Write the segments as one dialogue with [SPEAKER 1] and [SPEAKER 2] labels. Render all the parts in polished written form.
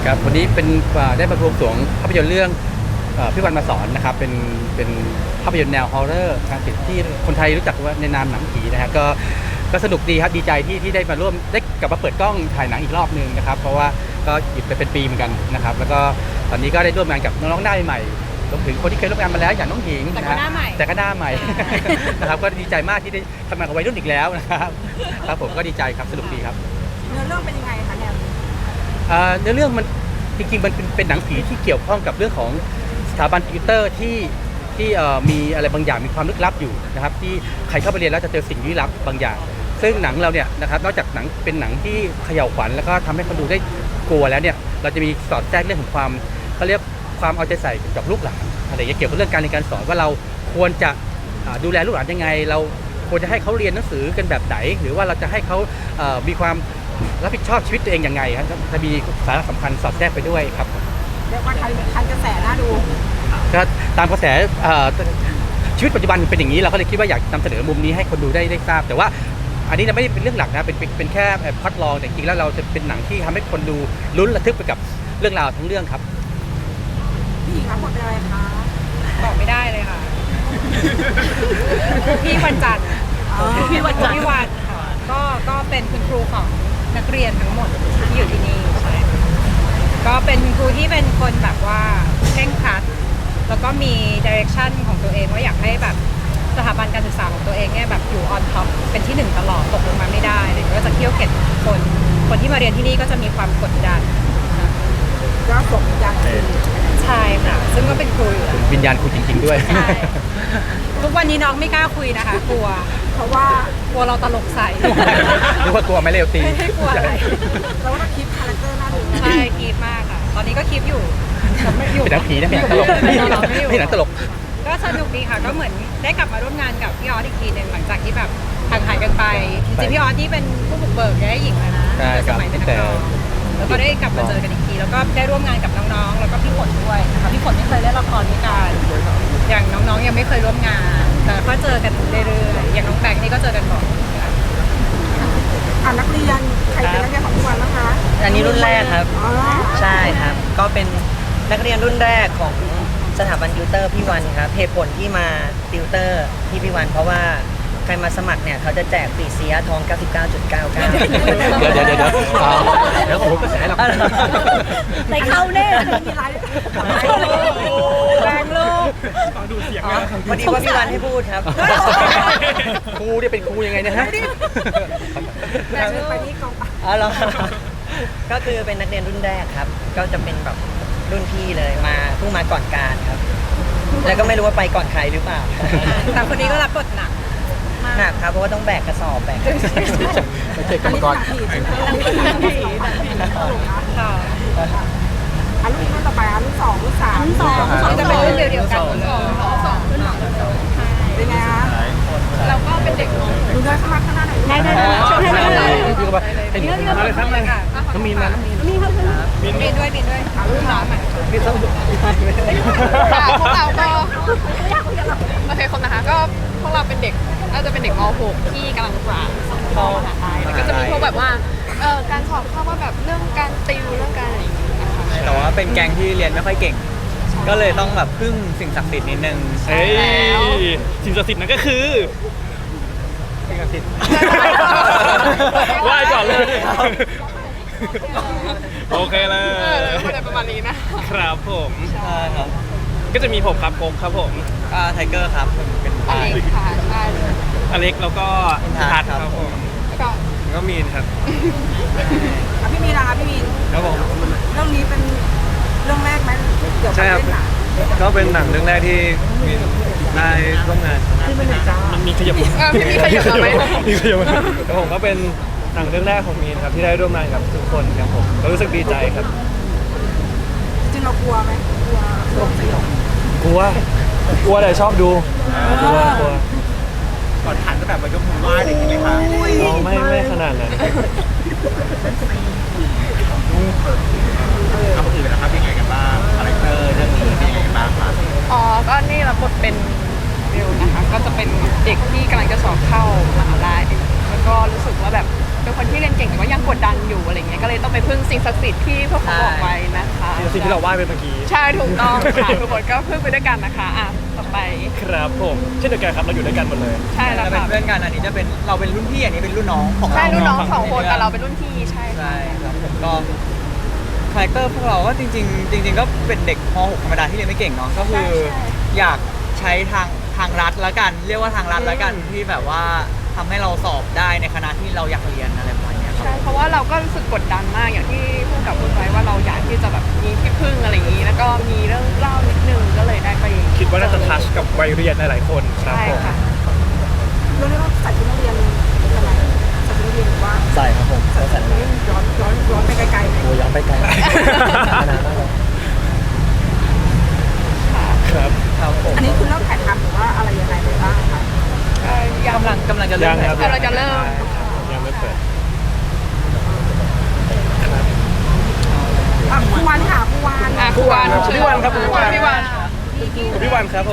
[SPEAKER 1] ครับวันนี้เป็นได้มาบวงสรวงภาพยนตร์เรื่องพี่วันมาสอนนะครับเป็นภาพยนตร์แนวฮอร์เรอร์ทางศิลป์ที่คนไทยรู้จักว่าในนามหนังผีนะฮะก็สนุกดีครับดีใจที่ได้มาร่วมได้กลับมาเปิดกล้องถ่ายหนังอีกรอบนึงนะครับเพราะว่าก็หยุดไปเป็นปีเหมือนกันนะครับแล้วก็ตอนนี้ก็ได้ร่วมงานกับน้องๆหน้าใหม่รวมถึงคนที่เคยร่วมงานมาแล้วอย่างน้องหญิงแต่ก็หน้าใหม่นะครับก็ดีใจมากที่ได้ทำงานกับวัยรุ่นอีกแล้วนะครับครับผมก็ดีใจครับสนุกดีครับ
[SPEAKER 2] เนื้อเรื่องเป็นยังไงคะเนี่ย
[SPEAKER 1] เนื้อเรื่องมันจริงๆมันเป็นหนังผีที่เกี่ยวข้องกับเรื่องของสถาบันติวเตอร์ที่มีอะไรบางอย่างมีความลึกลับอยู่นะครับที่ใครเข้าไปเรียนแล้วจะเจอสิ่งลี้ลับบางอย่างซึ่งหนังเราเนี่ยนะครับนอกจากหนังเป็นหนังที่เขย่าขวัญแล้วก็ทำให้คนดูได้กลัวแล้วเนี่ยเราจะมีสอดแทรกเรื่องของความเขาเรียกความเอาใจใส่กับลูกหลานอะไรอย่างเงี้ยเกี่ยวกับเรื่องการเรียนการสอนว่าเราควรจะดูแลลูกหลานยังไงเราควรจะให้เขาเรียนหนังสือกันแบบไหนหรือว่าเราจะให้เขามีความรับผิดชอบชีวิตตัวเองยังไงครับจะมีสาระสำคัญสอดแทรกไปด้วยครับ
[SPEAKER 2] เรียกว่าทันกระแสน่าดู
[SPEAKER 1] ก็ตามกระแสชีวิตปัจจุบันเป็นอย่างนี้เราก็เลยคิดว่าอยากนำเสนอมุมนี้ให้คนดูได้ทราบแต่ว่าอันนี้ไม่ได้เป็นเรื่องหลักนะเป็นแค่พล็อตรองแต่จริงๆแล้วเราจะเป็นหนังที่ทำให้คนดูลุ้นระทึกไปกับเรื่องราวทั้งเรื่องครับ
[SPEAKER 2] พี่หญิงรับบทเป็นอะไรคะ
[SPEAKER 3] บอกไม่ได้เลยค่ะพี่วันจันทร์พี่วันค่ะก็เป็นคุณครูของนักเรียนทั้งหมดที่อยู่ที่นี่ก็เป็นครูที่เป็นคนแบบว่าเคร่งครัดแล้วก็มีดิเรกชันของตัวเองว่าอยากให้แบบสถาบันการศึกษาของตัวเองเนี่ยแบบอยู่ออนท็อปเป็นที่หนึ่งตลอดตกลงมาไม่ได้เลยก็จะเคี่ยวเข็นคนที่มาเรียนที่นี่ก็จะมีความกดดัน
[SPEAKER 2] ก็สมยัน
[SPEAKER 3] ใช่ค่ะซึ่งก็เป็นครูอยู่
[SPEAKER 1] วิญญาณครูจริงๆด้วย
[SPEAKER 3] ใช่ทุกวันนี้น้องไม่กล้าคุยนะคะกลัว
[SPEAKER 2] เพราะว่าก
[SPEAKER 3] ลัวเราตลกใส่
[SPEAKER 1] หรือว่ากลัวไม่เร็วตี
[SPEAKER 3] ไม่กลัวอะไร
[SPEAKER 2] เราก็คีปคาแรคเตอร์น่าดู
[SPEAKER 3] ใช่คีปมากค่ะตอนนี้ก็คีปอยู่
[SPEAKER 1] ไม่อยู่เป็นหนังผีนะเป็นหนังตลกไม่หนังตลก
[SPEAKER 3] ก็สนุกดีค่ะก็เหมือนได้กลับมาร่วมงานกับพี่ออสอีกทีหนึ่งหลังจากที่แบบห่างหายกันไปจริงๆพี่ออสที่เป็นผู้บุกเบิกได้หญิงแล้วนะสมัยเป็นนักร้องแล้วก็ได้กลับมาเจอกันอีกทีแล้วก็ได้ร่วมงานกับน้องๆแล้วก็พี่ฝนด้วยนะคะพี่ฝนไม่เคยเล่นละครด้วยกันอย่างน้องๆยังไม่เคยร่วมงานแต่ก็เจอกันเรื่อยๆอย่างน้องแบงค์นี่ก็เจอกันบ่อย
[SPEAKER 2] นักเรียนใครเป็นนักเรียนของทุกวันนะคะ
[SPEAKER 4] อันนี้รุ่นแรกครับใช่ครับก็เป็นนักเรียนรุ่นแรกของสถาบันติวเตอร์พี่วันครับเหตุผลที่มาติวเตอร์ที่พี่วันเพราะว่าใครมาสมัครเนี่ยเขาจะแจกปีเสียทอง 99.99
[SPEAKER 1] เดี๋ยวผมก็แสหรอก
[SPEAKER 3] ใส่เข้าแน่
[SPEAKER 2] มีไร
[SPEAKER 3] แรงลูก
[SPEAKER 4] พอดีว่าพี่วันให้พูดครับ
[SPEAKER 1] ครูเนี่ยเป็นครูยังไงนะฮะ
[SPEAKER 2] ไปที่กอง
[SPEAKER 4] อ๋อเหรอก็คือเป็นนักเรียนรุ่นแรกครับก็จะเป็นแบบรุ่นพี่เลยมาเพิ่งมาก่อนการครับแล้วก็ไม่รู้ว่าไปก่อนใครหรือเปล่า
[SPEAKER 3] แต่คนนี้ก็รับบทหนัก
[SPEAKER 4] ครับเพราะว่าต้องแบกกระสอบแบก
[SPEAKER 1] ไม่ใช่กรรมกร
[SPEAKER 2] ค่ะรุ่นต่อไปรุ่น2รุ่น3
[SPEAKER 3] จะเป็นรุ่นเดียวกัน
[SPEAKER 2] เป็นไงคะ
[SPEAKER 3] เราก็เป็นเด็ก
[SPEAKER 2] ดูได้ข้างหน้าหน่อย
[SPEAKER 3] ได้
[SPEAKER 1] พี่ก็มาให้ดูอะไรครับอะไรน้องมีนมาน้องมีน
[SPEAKER 3] ด้วยรุ่นน้องใหม่
[SPEAKER 1] มีต้อง
[SPEAKER 5] พวกเราก็โอเคคนนะคะก็พวกเราเป็นเด็กน่าจะเป็นเด็กม .6 ที่กำลังเข้ามหาลัยแล้วก็จะมีพวกแบบว่าการสอบเข้าว่าแบบเรื่องการติวเรื่องการอะไรอย่างเงี้ยนะคะ
[SPEAKER 4] แต่ว่าเป็นแก๊งที่เรียนไม่ค่อยเก่งก็เลยต้องแบบพึ่งสิ่งศักดิ์สิทธิ์นิดนึง
[SPEAKER 5] ใช่แล้ว
[SPEAKER 6] สิ่งศักดิ์สิทธิ์นั้นก็คือ
[SPEAKER 1] สิ่งศักดิ์สิทธิ์
[SPEAKER 6] ไหว้ก่อนเลยโอเคเลย
[SPEAKER 5] ประมาณนี้
[SPEAKER 6] นะครับผม
[SPEAKER 4] ใช่ครับ
[SPEAKER 6] ก็จะมีผมครับโค้งครับผม
[SPEAKER 4] ไทเกอร์ครับเป็น
[SPEAKER 5] อเล็กค่ะใช่
[SPEAKER 6] อเล็กแล้วก็ทัศน์ครับผม
[SPEAKER 5] แล้ว
[SPEAKER 6] ก็มีนครับ
[SPEAKER 2] พี่มีนนะคะพี่มีน
[SPEAKER 6] ครับผม
[SPEAKER 2] เรื่องนี้เป็นเรื่องแรกไหมเกี่ยวกับเรื่องหนัง
[SPEAKER 6] ก็เป็นหนังเรื่องแรกที่มีได้ร่วมงานมันมีขยับ
[SPEAKER 5] มีขยับไหม
[SPEAKER 6] มีขยับแล้วผมก็เป็นหนังเรื่องแรกของมีนครับที่ได้ร่วมงานกับทุกคนครับผมก็รู้สึกดีใจครับ
[SPEAKER 2] จริงเรากลัวไหม
[SPEAKER 6] กลัวแต่ชอบดูกลัว
[SPEAKER 1] ก่อนหันก็แบบมายกมือไหว้อะไรอย่างเงี้ยไหมคะ
[SPEAKER 6] ไม่ขนาดนั้น
[SPEAKER 1] เอาคนอื่นนะครับเป็นไงกันบ้างคาแรคเตอร์เรื่องนี้เป็นยังไงกันบ้างครับ
[SPEAKER 5] ก็นี่รับบทเป็นวิวนะคะก็จะเป็นเด็กที่กำลังจะสอบเข้ามหาลัยแล้วก็รู้สึกว่าแบบเป็นคนที่เรียนเก่งแต่ว่ายังกดดันอยู่อะไรเงี้ยก็เลยต้องไปพึ่งสิ่งศักดิ์สิทธิ์ที่พวกเขาบอกไว้นะคะ
[SPEAKER 6] สิ่งที่เราไหว้ไปเมื่อกี้
[SPEAKER 5] ใช่ถูกต้องค่ะทุกคนก็พึ่งไปด้วยกันนะคะอ่ะต่อไป
[SPEAKER 6] ครับผมเช่นเดียวกันครับเราอยู่ด้วยกันหมดเลย
[SPEAKER 5] ใช่แล้ว
[SPEAKER 7] เราเป็น
[SPEAKER 5] ค่ะ
[SPEAKER 7] เพื่อนกันอันนี้จะเป็นเราเป็นรุ่นพี่อันนี้เป็นรุ่นน้องของเรา
[SPEAKER 5] ใช่รุ่นน้องสองคนแต่เราเป็นรุ่นพี่ใช่
[SPEAKER 7] ใช่ครับผมก็คาแรคเตอร์พวกเราก็จริงๆก็เป็นเด็กม .6 ธรรมดาที่เรียนไม่เก่งเนาะก็คืออยากใช้ทางรัฐแล้วกัน เรียกว่าทางรัฐแล้วกันที่แบบว่าทำให้เราสอบได้ในคณะที่เราอยากเรียนอะไรประมาณเนี้ยครับ
[SPEAKER 5] ใช่เพราะว่าเราก็รู้สึกกดดันมากอย่างที่พูดกับคุณไว้ว่าเราอยากที่จะแบบมีที่พึ่งอะไรอย่างนี้ แล้วก็มีเรื่องเล่านิดนึงก็เลยได้ไป
[SPEAKER 6] คิดว่าน่าจะทัชกับวัยเรียนหลายๆคนครับ
[SPEAKER 5] ใช่
[SPEAKER 6] ผม
[SPEAKER 5] ค่ะ
[SPEAKER 2] เรื่องนี้เราใส่ชุดนักเรียนอะไรใส่ชุดนักเรียนหรือว่า
[SPEAKER 4] ใส่ครับผมใส่
[SPEAKER 2] ย้อนไปไกลๆเลย
[SPEAKER 4] โอ้ยังไปไกลนานมากเลย
[SPEAKER 6] ครับ
[SPEAKER 7] ครับผม
[SPEAKER 2] อันนี้คือเริ่มถ่ายทำหรือว่าอะไรยังไงไปบ้างคะ
[SPEAKER 7] กำลังจะเริ่
[SPEAKER 6] ยั
[SPEAKER 7] ม
[SPEAKER 6] งครับ
[SPEAKER 5] เราจะเริ่ม
[SPEAKER 6] ยังไม่เปิด
[SPEAKER 2] ผู้วานค่ะผู้วาน
[SPEAKER 5] อ่ะคุณวัน
[SPEAKER 6] พี่วันครับพี่วัน
[SPEAKER 5] พี่วัน
[SPEAKER 6] พี่วันครับผม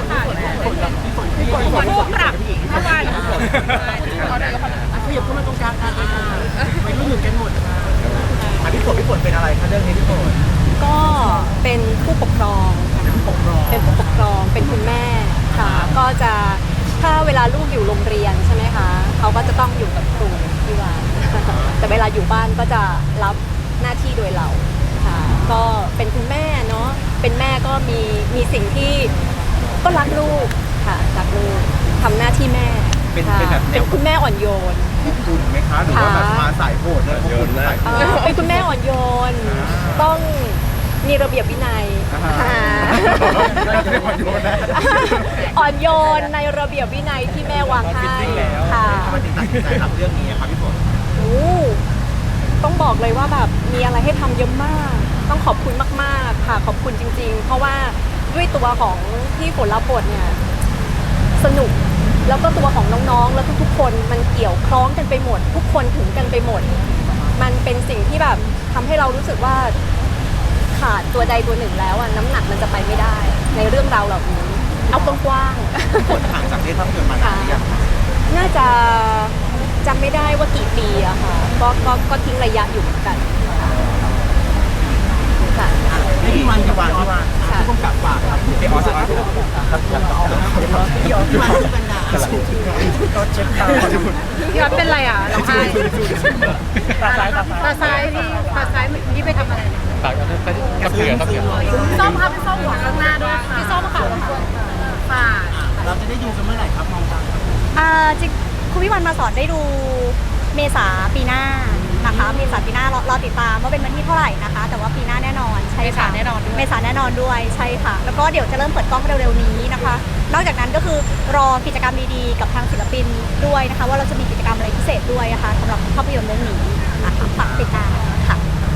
[SPEAKER 3] ผู้ปรับเมื่อวาน
[SPEAKER 2] ขยับเข้ามาตรงกลางกันไปรุ่นหนึ่งกันหมด
[SPEAKER 7] พี่ฝนเป็นอะไรคะเรื่องนี้พี่ฝน
[SPEAKER 8] ก็เป็นผู้ปกครองค่ะเป็นผู้ปกครอง เป็นคุณแม่ค่ะ ก็จะถ้าเวลาลูกอยู่โรงเรียนใช่ไหมคะ เขาก็จะต้องอยู่กับครูที่บ้าน แต่เวลาอยู่บ้านก็จะรับหน้าที่โดยเราค่ะ ก็เป็นคุณแม่เนาะ เป็นแม่ก็มีสิ่งที่ก็รักลูกค่ะ รักลูกทำหน้าที่แม่
[SPEAKER 7] เป็น
[SPEAKER 8] ค่ะ
[SPEAKER 7] แบบแนว
[SPEAKER 8] เป็นคุณแม่อ่อนโยน
[SPEAKER 7] คุณไหมคะหรือว่าแบบมาสายโหดเลยโยนสาย
[SPEAKER 8] เป็นคุณแม่อ่อนโยน ต้องมีระเบียบวินัย อ่อนโยนในระเบียบวินัยที่แม่วางให้ค่ะ
[SPEAKER 7] ทำไมถึงตัดสินใจรับเรื่องนี้ครับพี่ฝน
[SPEAKER 8] โอ้ต้องบอกเลยว่าแบบมีอะไรให้ทำเยอะมาก ต้องขอบคุณมากๆค่ะ ขอบคุณจริงๆ เพราะว่าด้วยตัวของที่ฝนรับบทเนี่ยสนุก แล้วก็ตัวของน้องๆ แล้วทุกๆ คนมันเกี่ยวคล้องกันไปหมด ทุกคนถึงกันไปหมด มันเป็นสิ่งที่แบบทำให้เรารู้สึกว่าขาดตัวใดตัวหนึ่งแล้วอะน้ำหนักมันจะไปไม่ได้ ในเรื่องราวเหล่านี้ เอากว้างๆ
[SPEAKER 7] ฝนห่างจากเล่นภาพยนตร์มานานหรือยัง
[SPEAKER 8] น่าจะจำไม่ได้ว่ากี่ปีอะค่ะ ก็ทิ้งระยะอยู่เหมือนกันค่ะ
[SPEAKER 7] พี่วันพี่วัน
[SPEAKER 8] ค่ะ
[SPEAKER 7] ผู้กำกับฝากครับพี่ออสครับพี่ออสพี่วันที่เป็นดาก็เช็คตา
[SPEAKER 3] พี่วัดเป็นไรอ่ะร้องไห้
[SPEAKER 6] ตาซ้ายตาซ้าย
[SPEAKER 3] ตาซ้ายที่ตาซ้ายที่ไปทำอะไร
[SPEAKER 1] ฝากกับเสือครับเสือ
[SPEAKER 3] ส้มค่ะพี่ส้มหัวข้างหน้าด้วยค่ะพี่ส้มค่ะค่ะ
[SPEAKER 7] เราจะได้ดูกันเมื่อไหร่ครับมองตา
[SPEAKER 8] จริงคุณวิวันมาสอนได้ดูเมษาปีหน้านะคะ เมษาปีหน้ารอติดตามว่าเป็นวันที่เท่าไหร่นะคะ แต่ว่าปีหน้าแน่นอนใช่ค่ะ
[SPEAKER 3] เมษาแน่นอนด้วย
[SPEAKER 8] เมษาแน่นอนด้วยใช่ค่ะ แล้วก็เดี๋ยวจะเริ่มเปิดกล้องเร็วๆนี้นะคะ นอกจากนั้นก็คือรอกิจกรรมดีๆ กับทางศิลปินด้วยนะคะ ว่าเราจะมีกิจกรรมอะไรพิเศษด้วยนะคะสำหรับภาพยนตร์เรื่องนี้นะคะฝากติดตามค่ะ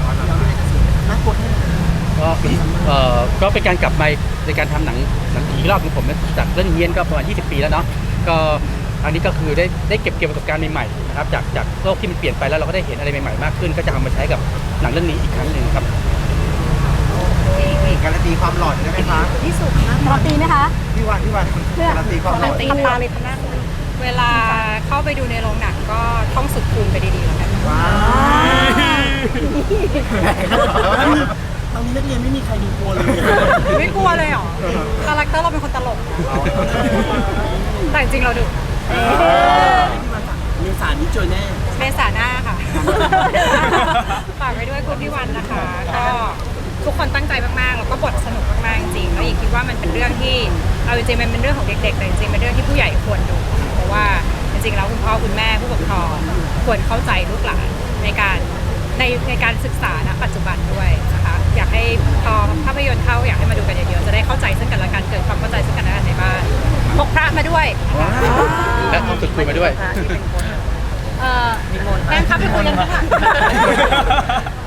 [SPEAKER 1] ก็เป็นการกลับมาในการทำหนังผีรอบของผมจากเรื่องเฮียนก็ประมาณ20 ปีแล้วเนาะก็อันนี้ก็คือได้เก็บประสบการณ์ใหม่ๆนะครับจากโลกที่มันเปลี่ยนไปแล้วเราก็ได้เห็นอะไรใหม่ๆมากขึ้น ก็จะเอามาใช้กับหนังเรื่องนี้อีกครั้งหนึ่งครับ
[SPEAKER 7] การันตีความหลอนได้ไหมคะ
[SPEAKER 8] ที่สุดนะรอตีไหมคะ
[SPEAKER 7] พี่วันการันตีความหลอน
[SPEAKER 8] ทำตาเลยทำหน้า
[SPEAKER 3] เวลาเข้าไปดูในโรงหนังก็ท่องสุดคูณไปดีๆแล้วกัน
[SPEAKER 7] ว้าว
[SPEAKER 2] ตอนนี้นักเรียนไม่มีใครดูกลัวเลย
[SPEAKER 3] ไม่กลัวเลยเหรอคาแรคเตอร์เราเป็นคนตลก แต่จริงๆเราดุ
[SPEAKER 2] มีสารนี้เจอแน่
[SPEAKER 3] เมษาหน้าค่ะ ฝากไว้ด้วยคุณพี่วันนะคะ ก็ทุกคนตั้งใจมากๆแล้วก็บทสนุกมากๆจริงๆแล้วอีกคิดว่ามันเป็นเรื่องที่เอาจริงๆมันเป็นเรื่องของเด็กๆแต่จริงๆเป็นเรื่องที่ผู้ใหญ่ควรดูเพราะว่าจริงๆแล้วคุณพ่อคุณแม่ผู้ปกครองควรเข้าใจลูกหลานในการศึกษาณปัจจุบันด้วยนะคะอยากให้พอภาพยนตร์เข้าอยากให้มาดูกันเยอะๆจะได้เข้าใจซึ่งกันและกันเกิดความเข้าใจซึ่งกันและกันในบ้านพกพระมาด้วย
[SPEAKER 1] และต้องฝึกคุยมาด้วย
[SPEAKER 3] แฟนคลับไปคุยกันข้างหลัง